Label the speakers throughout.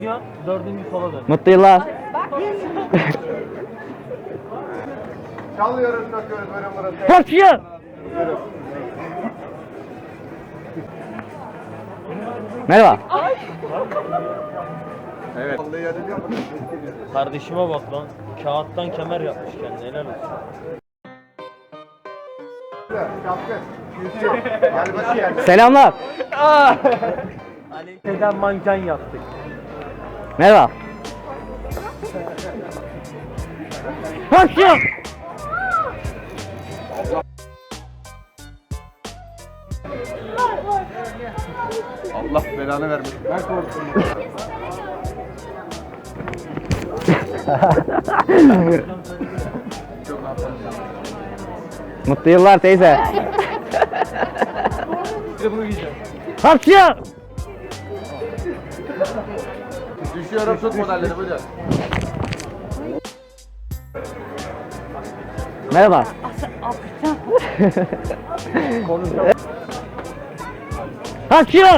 Speaker 1: Ya, dördüncü sola dön.
Speaker 2: Mutlu yıllar.
Speaker 3: Çalıyoruz, takıyoruz böyle burası.
Speaker 2: Kaçıyor. Merhaba.
Speaker 3: Evet. Vallahi yardım yapın.
Speaker 1: Kardeşime bak lan. Kağıttan kemer yapmış kendine. Helal olsun.
Speaker 3: Şapkı. Yüzüyor. Gel bakayım.
Speaker 2: Selamlar.
Speaker 1: Aleyhiden manken yaptık.
Speaker 2: Merhaba. Kaçıyor.
Speaker 3: Allah belanı vermesin. Ben korktum.
Speaker 2: Mutlu yıllar teyze. Kaçıyor.
Speaker 3: Düşüyorum, tut modelleri buyurun.
Speaker 2: Merhaba. Kaçıyor.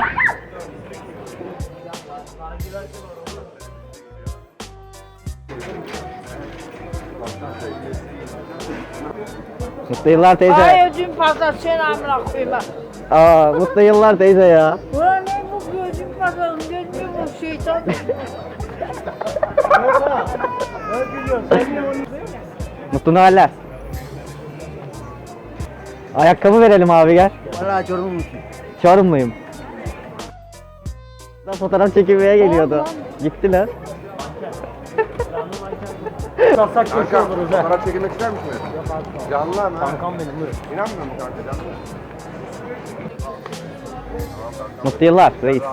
Speaker 2: Mutlu yıllar teyze.
Speaker 4: Ay ödüm patladı sen amına koyma.
Speaker 2: Mutlu yıllar teyze ya.
Speaker 4: Ulan ne bu gözüm patladı gözüm bu şeytan.
Speaker 2: Mutlu Noeller. Ayakkabı verelim abi gel.
Speaker 5: Valla Çorumlu musun?
Speaker 2: Çorumluyum. Fotoğraf çekilmeye geliyordu. Gittiler.
Speaker 1: Satsak kötü
Speaker 3: Kanka,
Speaker 1: oluruz ha.
Speaker 3: fotoğraf çekilmek ister misin? Canlı ama.
Speaker 1: Kankam benim buyur.
Speaker 3: İnanmıyor musun kanka canlı?
Speaker 2: Mutlu yıllar reis.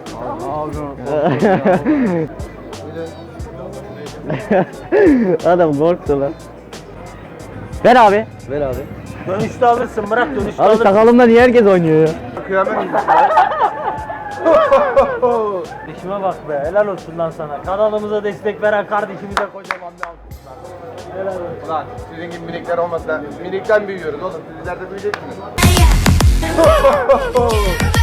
Speaker 2: Adam korktu lan. Ver abi. Ver abi.
Speaker 1: Dönüşte alırsın bırak dönüşte
Speaker 2: Abi
Speaker 1: alırsın.
Speaker 2: sakalımda niye herkes oynuyor ya?
Speaker 3: Kıyamet mi?
Speaker 1: Kardeşime bak be helal olsun lan sana. Kanalımıza destek veren kardeşimize kocaman bir alkışlar. Helal olsun.
Speaker 3: Ulan sizin gibi minikler olmasa minikten büyüyoruz oğlum. Sizler de büyüyeceksiniz.